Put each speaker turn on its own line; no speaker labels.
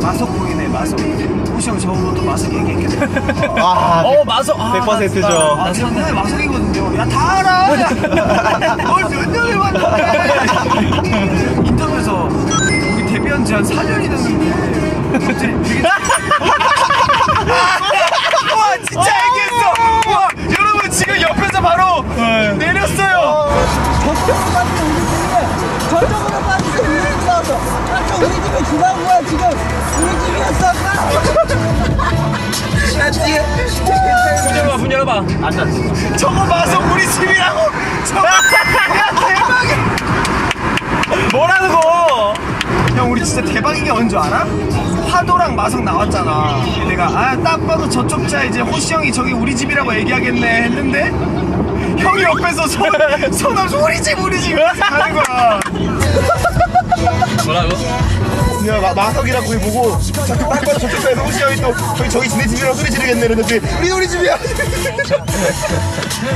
마석 보이네, 마석. 호시 형 저보고 또 마석 얘기했겠네.
마석 100%죠.
아, 제가 분명히 마석이거든요. 야, 다 알아! 몇 년을 봤는데! 인터뷰에서 우리 데뷔한 지 한 4년이 됐는데 갑자기 되게 와, 진짜 얘기했어! 와, 여러분 지금 옆에서 바로 내렸어요!
저쪽으로 빠지고 우리 집 나왔어. 아까 우리 집에 지나온 거야 지금. 우리 집이었어 아까. 야 뒤에.
문 열어봐.
저거 마석 우리 집이라고! 저거 야, 대박이야!
뭐라는 거?
형, 우리 진짜 대박인 게 뭔 줄 알아? 화도랑 마석 나왔잖아. 내가 딱 봐도 저쪽 차 이제 호시 형이 저기 우리 집이라고 얘기하겠네 했는데 형이 옆에서 손 없이 우리 집 하는 거야.
뭐라고?
야, 마석이라고 거기 보고 자꾸 딱 봐도 저쪽 차에서 호시 형이 또 저기 지네 집이라고 소리 지르겠네 이랬는데 우리 집이야.